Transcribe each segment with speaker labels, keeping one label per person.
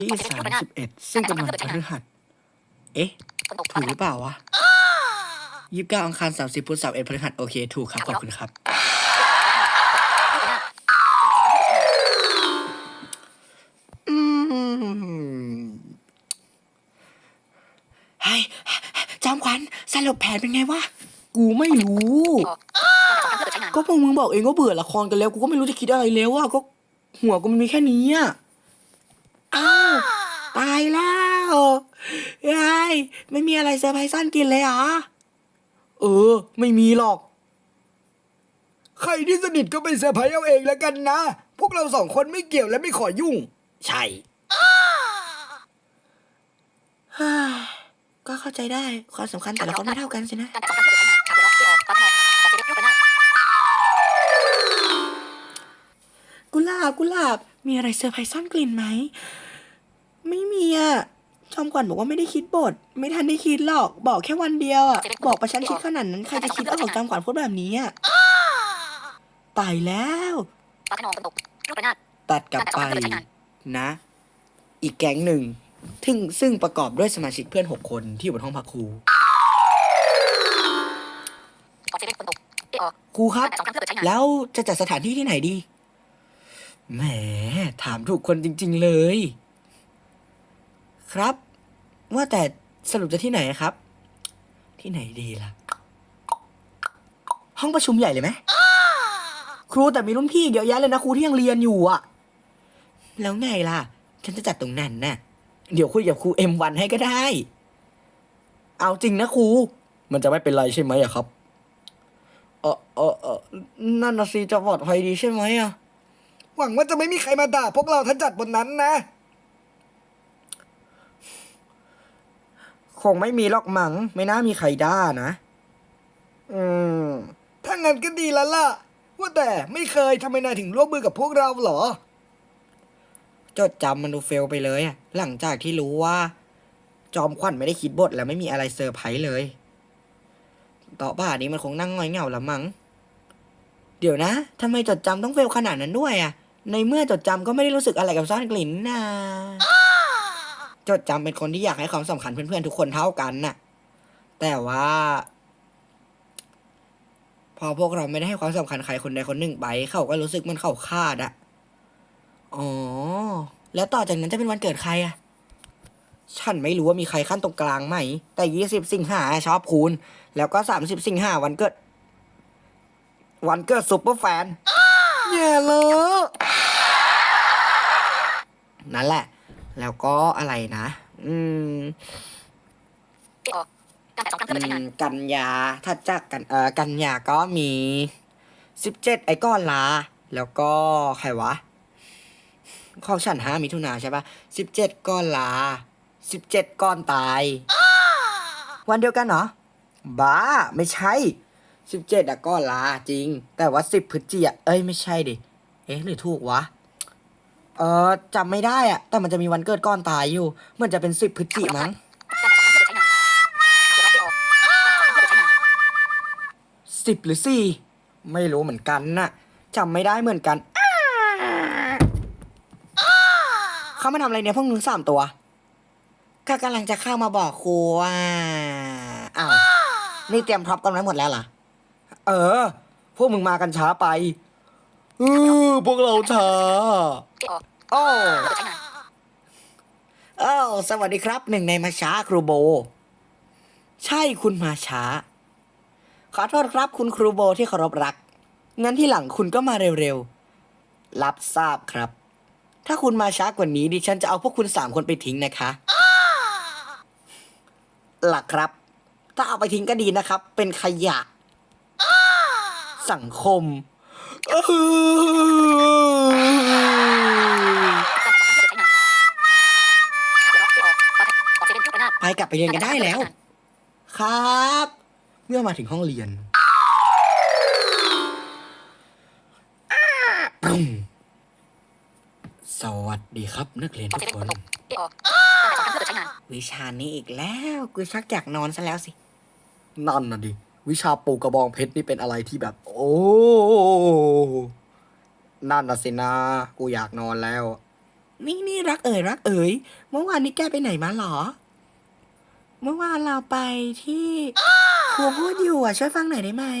Speaker 1: ที่31ซึ่งเป็นวันพฤหัสเอ๊ะถูกหรือเปล่าวะ29อังคาร30พุธ31พฤหัสโอเคถูกครับขอบคุณครับเฮ้ยจอมขวัญสรุปแผนเป็นไงวะกูไม่รู้ก็พวกมึงบอกเองก็เบื่อละครกันแล้วกูก็ไม่รู้จะคิดอะไรแล้วอะก็หัวกูมันมีแค่นี้อะอ้าวตายแล้วยายไม่มีอะไรเซอร์ไพรส์ซ่อนกินเลยเหรอไม่มีหรอกใครที่สนิทก็ไปเซอร์ไพรส์เอาเองแล้วกันนะพวกเราสองคนไม่เกี่ยวและไม่ขอยุ่งใช่ก็เข้าใจได้ความสำคัญแต่ละคนไม่เท่ากันสินะกุหลาบมีอะไรเซอร์ไพรส์ซ่อนกลิ่นไหมไม่มีอะจอมขวัญบอกว่าไม่ได้คิดบทไม่ทันได้คิดหรอกบอกแค่วันเดียวอะบอกประชันชิดขนาดนั้นใครจะคิดออกจอมขวัญพูดแบบนี้อะตายแล้วตัดกลับไปนะอีกแก๊งหนึ่งซึ่งประกอบด้วยสมาชิกเพื่อน6 คนที่อยู่บนห้องพักครูครูครับแล้วจะจัดสถานที่ที่ไหนดีแหมถามถูกคนจริงๆเลยครับว่าแต่สรุปจะที่ไหนครับที่ไหนดีล่ะห้องประชุมใหญ่เลยไหมครูแต่มีรุ่นพี่เยอะแยะเลยนะครูที่ยังเรียนอยู่อ่ะแล้วไงล่ะฉันจะจัดตรงนั้นน่ะเดี๋ยวคุยกับครู M1 ให้ก็ได้เอาจริงนะครูมันจะไม่เป็นไรใช่ไหมอะครับนั่นน่ะสิจะปลอดภัยดีใช่ไหมอะหวังว่าจะไม่มีใครมาด่าพวกเราถ้าจัดบนนั้นนะคงไม่มีหรอกมั้งไม่น่ามีใครด่านะถ้างั้นก็ดีแล้วล่ะว่าแต่ไม่เคยทำไมนายถึงร่วมมือกับพวกเราเหรอจดจำมันดูเฟลไปเลยอะหลังจากที่รู้ว่าจอมขวัญไม่ได้คิดบทแล้วไม่มีอะไรเซอร์ไพรส์เลยต่อป่านนี้มันคงนั่งง่อยเหงาละมั้งเดี๋ยวนะทำไมจดจำต้องเฟลขนาดนั้นด้วยอะในเมื่อจดจำก็ไม่ได้รู้สึกอะไรกับซ่อนกลิ่นนะจดจำเป็นคนที่อยากให้ความสำคัญเพื่อนๆทุกคนเท่ากันน่ะแต่ว่าพอพวกเราไม่ได้ให้ความสำคัญใครคนใดคนหนึ่งไปเขาก็รู้สึกมันเขาขาดอะอ๋อแล้วต่อจากนั้นจะเป็นวันเกิดใครอะฉันไม่รู้ว่ามีใครขั้นตรงกลางไหมแต่20 สิงหาชอบคูณแล้วก็30 สิงหาวันเกิดซุปเปอร์แฟนแย่เลยนั่นแหละแล้วก็อะไรนะกันยาถ้าจากกันยาก็มี17ไอ้ก้อนลาแล้วก็ใครวะของฉัน5 มิถุนาใช่ปะ17ก้อนลา17ก้อนตายวันเดียวกันเหรอบ้าไม่ใช่17อะก้อนลาจริงแต่ว่า10 พฤศจิกายนไม่ใช่ดิหรือถูกวะจำไม่ได้อะแต่มันจะมีวันเกิดก้อนตายอยู่มันจะเป็น10 พฤศจิกายนมั้ง10 หรือ4ไม่รู้เหมือนกันน่ะจำไม่ได้เหมือนกันเขามาทำอะไรเนี่ยพวกมึง3 ตัวก็กำลังจะเข้ามาบอกครูว่าอ้าวนี่เตรียมพร็อพกันไว้หมดแล้วเหรอพวกมึงมากันช้าไปพวกเราช้าโอ้สวัสดีครับหนึ่งในมาช้าครูโบใช่คุณมาช้าขอโทษครับคุณครูโบที่เคารพรักงั้นที่หลังคุณก็มาเร็วๆรับทราบครับถ้าคุณมาช้ากว่านี้ดิฉันจะเอาพวกคุณ3 คนไปทิ้งนะคะหลักครับถ้าเอาไปทิ้งก็ดีนะครับเป็นขยะสังคมไปกลับไปเรียนกันได้แล้วครับเมื่อมาถึงห้องเรียนสวัสดีครับนักเรียนทุกคนวิชานี้อีกแล้วกูชักอยากนอนซะแล้วสินั่นน่ะดิวิชาปลูกกระบองเพชรนี่เป็นอะไรที่แบบโอ้นั่นน่ะสินะกูอยากนอนแล้วนี่รักเอ๋ยเมื่อวานนี้แกไปไหนมาหรอ เมื่อวานเราไปที่ครูพูดอยู่อ่ะช่วยฟังหน่อยได้ไหม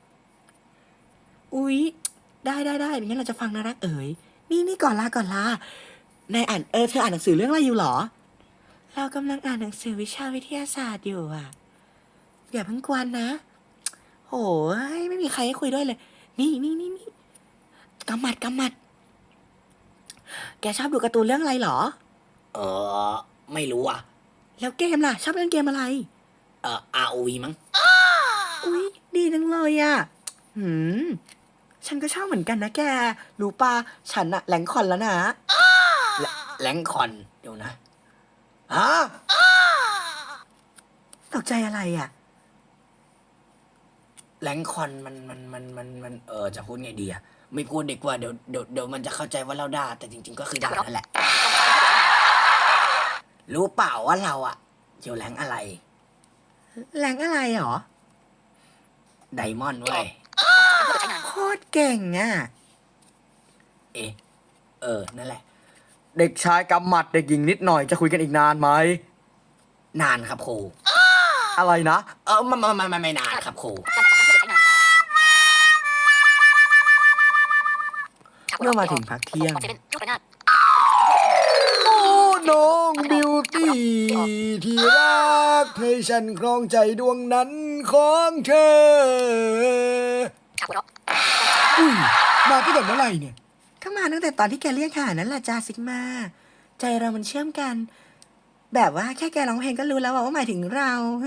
Speaker 1: อุ๊ยได้งั้นเราจะฟังนะรักเอ๋ยนี่ก่อนลานายอ่านเธออ่านหนังสือเรื่องอะไรอยู่หรอ เรากำลังอ่านหนังสือวิชาวิทยาศาสตร์อยู่อ่ะอย่าเพิ่งกวนนะโอ้ยไม่มีใครให้คุยด้วยเลย นี่กำมัดแกชอบดูการ์ตูนเรื่องอะไรหรอ
Speaker 2: เออไม่รู้อ่ะ
Speaker 1: แล้วเกมล่ะ ชอบเล่นเกมอะไร
Speaker 2: ROV มั้ง
Speaker 1: อุ๊ยดีจังเลยอ่ะหืมฉันก็ชอบเหมือนกันนะแก รู้ปะฉันอะแหลงคอนแล้วนะ
Speaker 2: แรงคอนเดี๋ยวนะฮะ
Speaker 1: ตกใจอะไรอ่ะ
Speaker 2: แรงคอนมันจะพูดไงดีอ่ะไม่พูดดีกว่าเดี๋ยวมันจะเข้าใจว่าเราด่าแต่จริงๆก็คือด่านั่นแหละ รู้เปล่าว่าเราอ่ะอยู่แรงอะไร
Speaker 1: แหลงอะไรหรอ
Speaker 2: ไดมอนด์เว้ย
Speaker 1: โคตรเก่งอ่ะ
Speaker 2: เอ๊ะนั่นแหละ
Speaker 1: เด็กชายกำหมัดเด็กหญิงนิดหน่อยจะคุยกันอีกนานไหม
Speaker 2: นานครับครู
Speaker 1: อะไรนะ
Speaker 2: ไม่นานครับครู
Speaker 1: เมื่อมาถึงพักเที่ยง โอ้น้องบิวตี้ที่รักให้ฉันครองใจดวงนั้นของเธอ อุ้ยมาตั้งแต่เมื่อไหร่เนี่ยก็มาตั้งแต่ตอนที่แกเรียกหานั่นแหละจ้าซิกมาใจเรามันเชื่อมกัน แบบว่าแค่แกร้องเพลงก็รู้แล้วว่าหมายถึงเรา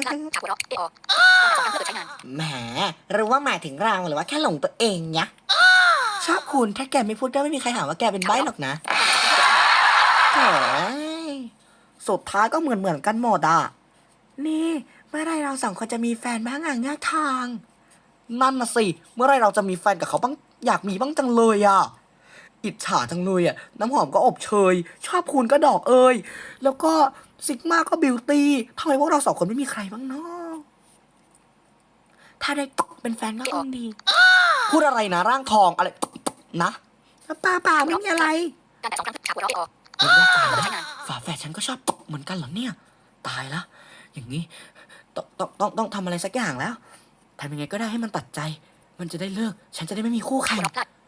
Speaker 2: แหมรู้ว่าหมายถึงเราหรือว่าแค่หลงตัวเองเนี่ย
Speaker 1: ชอบคุณถ้าแกไม่พูดก็ไม่มีใครหาว่าแกเป็นใบ้หรอกนะโอ้ยสุดท้ายก็เหมือนกันหมดอ่ะ นี่เมื่อไรเราสองคนจะมีแฟนบ้างอ่ะเงือกทางนั่นน่ะสิ เมื่อไรเราจะมีแฟนกับเขาบ้างอยากมีบ้างจังเลยอ่ะ อิจฉาจังเลยอ่ะ น้ำหอมก็อบเชย ชอบคุณก็ดอกเอย แล้วก็ซิกมาก็บิวตี้ทำไมพวกเราสองคนไม่มีใครบ้างเนาะถ้าได้เป็นแฟนก็คงดี พูดอะไรนะร่างทองอะไรนะป่าไม่มีอะไรฝาแฝดฉันก็ชอบเหมือนกันเหรอเนี่ย ตายละอย่างนี้ต้องทำอะไรสักอย่างแล้วทำยังไงก็ได้ให้มันตัดใจ มันจะได้เลิก ฉันจะได้ไม่มีคู่แข่ง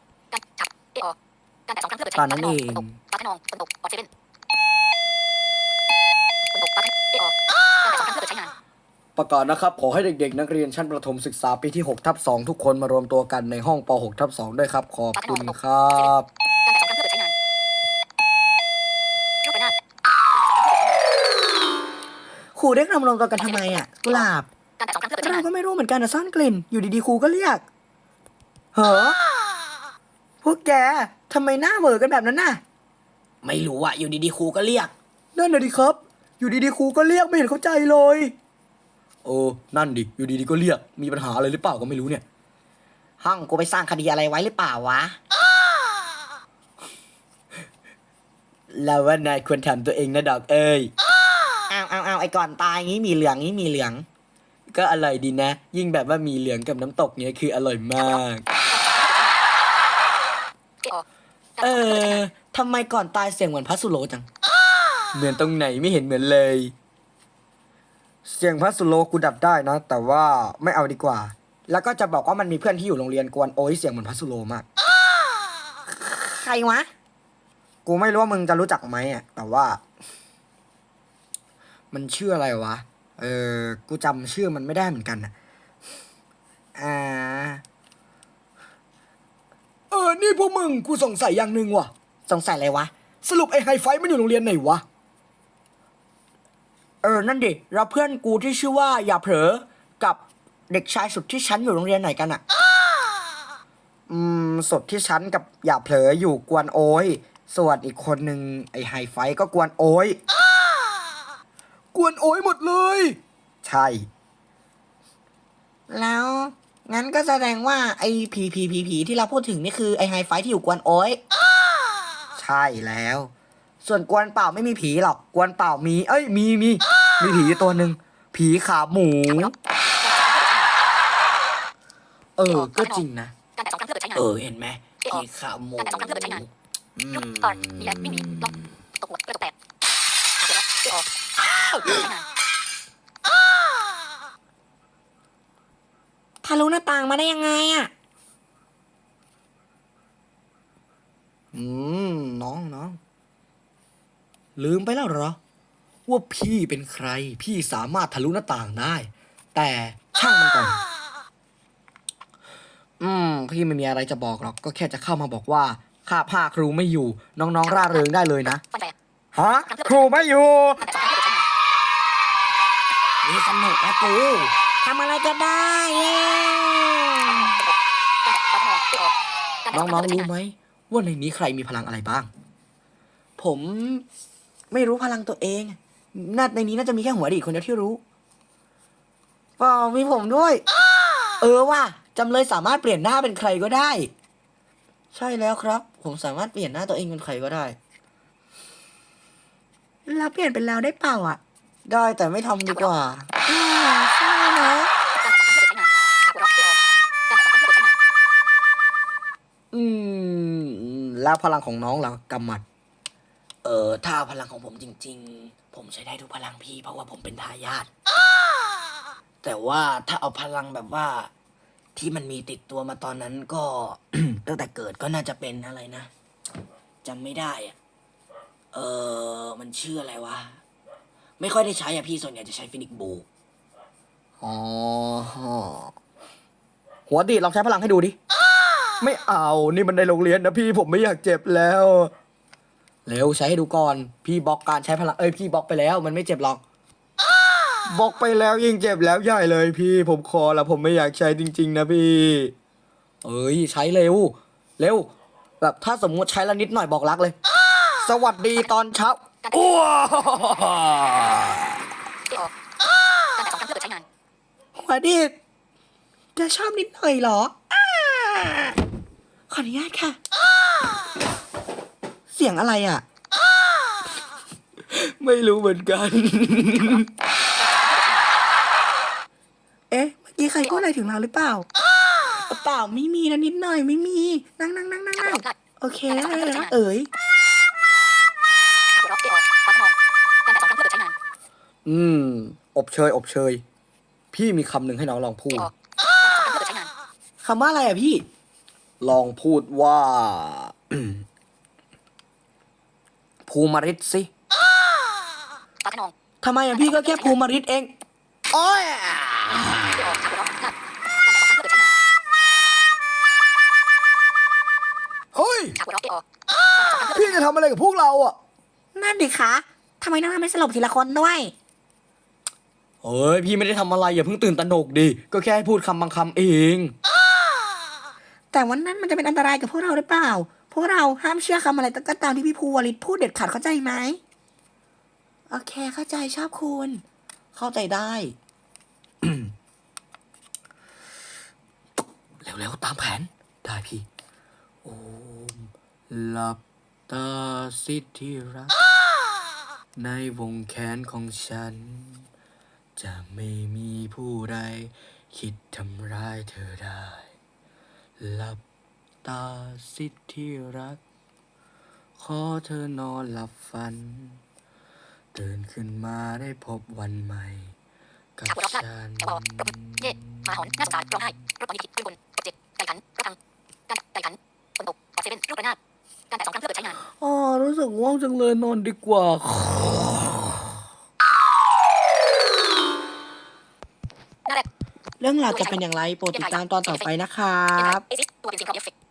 Speaker 1: ตอนนั้นเองประกาศนะครับขอให้เด็กๆนักเรียนชั้นประถมศึกษาปีที่6/2ทุกคนมารวมตัวกันในห้องป6/2ด้วยครับขอบคุณครับครูเรียกเรามารวมตัวกันทำไมอ่ะกุหลาบเราก็ไม่รู้เหมือนกันนะซ่อนกลิ่นอยู่ดีๆครูก็เรียกเหรอพวกแกทำไมหน้าเหวอกันแบบนั้นน่ะ
Speaker 2: ไม่รู้อ่ะอยู่ดีๆครูก็เรียก
Speaker 1: นั่นน่ะดิครับ อยู่ดีๆครูก็เรียกไม่เห็นเข้าใจเลย โอ้นั่นดิ อยู่ดีๆก็เรียก มีปัญหาอะไรหรือเปล่าก็ไม่รู้เนี่ย
Speaker 2: ห้องกูไปสร้างคดีอะไรไว้หรือเปล่าวะ
Speaker 1: แล้วว่านายควรถามตัวเองนะดอกเอ้ย
Speaker 2: เอาไอ้ก่อนตายงี้มีเหลือง
Speaker 1: ก็อร่อยดีนะ ยิ่งแบบว่ามีเหลืองกับน้ำตกเนี่ยคืออร่อยมาก ทำไมก่อนตายเสียงเหมือนพัสสุโลจัง เหมือนตรงไหนไม่เห็นเหมือนเลย เสียงพัสสุโลกูดับได้นะ แต่ว่าไม่เอาดีกว่า แล้วก็จะบอกว่ามันมีเพื่อนที่อยู่โรงเรียนกวนโอ้ยเสียงเหมือนพัสสุโลมาก
Speaker 2: ใครวะ
Speaker 1: กูไม่รู้ว่ามึงจะรู้จักไหมอ่ะ แต่ว่า มันชื่ออะไรวะ กูจำชื่อมันไม่ได้เหมือนกันอ่ะ นี่พวกมึงกูสงสัยอย่างหนึ่งว่ะ
Speaker 2: สงสัยอะไรวะ
Speaker 1: สรุปไอ้ไฮไฟท์มันอยู่โรงเรียนไหนวะ นั่นดิแล้วเพื่อนกูที่ชื่อว่าอย่าเผลอกับเด็กชายสุดที่ชั้นอยู่โรงเรียนไหนกันอ่ะ สุดที่ชั้นกับอย่าเผลออยู่กวนโอ้ยส่วนอีกคนหนึ่งไอ้ไฮไฟท์ก็กวนโอ้ยกวนโอ้ยหมดเลย ใช่
Speaker 2: แล้วงั้นก็แสดงว่าไอ้ผีที่เราพูดถึงนี่คือไอ้ไฮไฟที่อยู่กวนโอ้ย
Speaker 1: ใช่แล้ว ส่วนกวนเปล่าไม่มีผีหรอก กวนเปล่ามี มีผีตัวหนึ่ง ผีขาหมู ก็จริงนะ
Speaker 2: เห็นไหมผีขาหมู
Speaker 1: ทะลุหน้าต่างมาได้ยังไงอ่ะน้องลืมไปแล้วเหรอว่าพี่เป็นใครพี่สามารถทะลุหน้าต่างได้ แต่ช่างมันก่อนพี่ไม่มีอะไรจะบอกหรอกก็แค่จะเข้ามาบอกว่าข้าผ้าครูไม่อยู่น้องๆร่าเริงได้เลยนะฮะครูไม่อยู่นี่สนุกนะกูทำอะไรก็ได้เย้น้องๆรู้ไหมว่าในนี้ใครมีพลังอะไรบ้างผมไม่รู้พลังตัวเองในนี้น่าจะมีแค่หัวดีคนเดียวที่รู้มีผมด้วยว่ะจำเลยสามารถเปลี่ยนหน้าเป็นใครก็ได้ ใช่แล้วครับ ผมสามารถเปลี่ยนหน้าตัวเองเป็นใครก็ได้แล้วเปลี่ยนเป็นแล้วได้เปล่าอ่ะ ได้แต่ไม่ทำดีกว่าใช่นะแล้วพลังของน้องล่ะกำมัด
Speaker 2: ถ้าพลังของผมจริงๆ ผมใช้ได้ทุกพลังพี่เพราะว่าผมเป็นทายาทแต่ว่าถ้าเอาพลังแบบว่าที่มันมีติดตัวมาตอนนั้นก็ ตั้งแต่เกิดก็น่าจะเป็นอะไรนะจำไม่ได้อะมันชื่ออะไรวะไม่ค่อยได้ใช้อะพี่ส่วนใหญ่จะใช้ฟินิกบู
Speaker 1: อ๋อหัวดีดลองใช้พลังให้ดูดิไม่เอานี่มันในโรงเรียนนะพี่ผมไม่อยากเจ็บแล้วเร็วใช้ให้ดูก่อนพี่บล็อกการใช้พลังพี่บล็อกไปแล้วมันไม่เจ็บหรอกบล็อกไปแล้วยิ่งเจ็บแล้วใหญ่เลยพี่ผมขอแล้วผมไม่อยากใช้จริงๆนะพี่ใช้เร็วแบบถ้าสมมุติใช้แล้วนิดหน่อยบอกรักเลยสวัสดีตอนเช้าอ้วหัวดีดจะชอบนิดหน่อยเหรอขออนุญาตค่ะเสียงอะไรอ่ะไม่รู้เหมือนกันเมื่อกี้ใครพูดอะไรถึงเราหรือเปล่าเปล่าไม่มีนะนิดหน่อยไม่มีนั่งโอเคแล้วอบเชยพี่มีคำหนึ่งให้น้องลองพูดคำว่าอะไรอ่ะพี่ลองพูดว่า ภูมิฤทธิ์สิทำไมอ่ะพี่ก็แค่ภูมิฤทธิ์เองโอ้ยเฮ้ยพี่จะทำอะไรกับพวกเราอ่ะนั่นดิคะทำไมน้องไม่สลบทีละคนด้วยพี่ไม่ได้ทำอะไรอย่าเพิ่งตื่นตระหนกดิก็แค่ให้พูดคำบางคำเองแต่วันนั้นมันจะเป็นอันตรายกับพวกเราหรือเปล่าพวกเราห้ามเชื่อคำอะไรก็ตามที่พี่ภูวริศพูดเด็ดขาดเข้าใจไหมโอเคเข้าใจชอบคุณเข้าใจได้ เร็วๆตามแผนได้พี่โอมหลับตาสิที่รักในวงแขนของฉันจะไม่มีผู้ใดคิดทำร้ายเธอได้หลับตาสิที่รักขอเธอนอนหลับฝันตื่นขึ้นมาได้พบวันใหม่กับฉันมาหอนหน้าสงสารร้องไห้รถตอนนี้ผิดขึ้นบนเจ็บไก่ขันรถพังการไก่ขันฝนตกออกเซเว่นลูกระนาดการแตะ2 ครั้งเพื่อเปิดใช้งานรู้สึกง่วงจังเลยนอนดีกว่าเรื่องราวจะเป็นอย่างไรโปรดติดตามตอนต่อไปนะครับ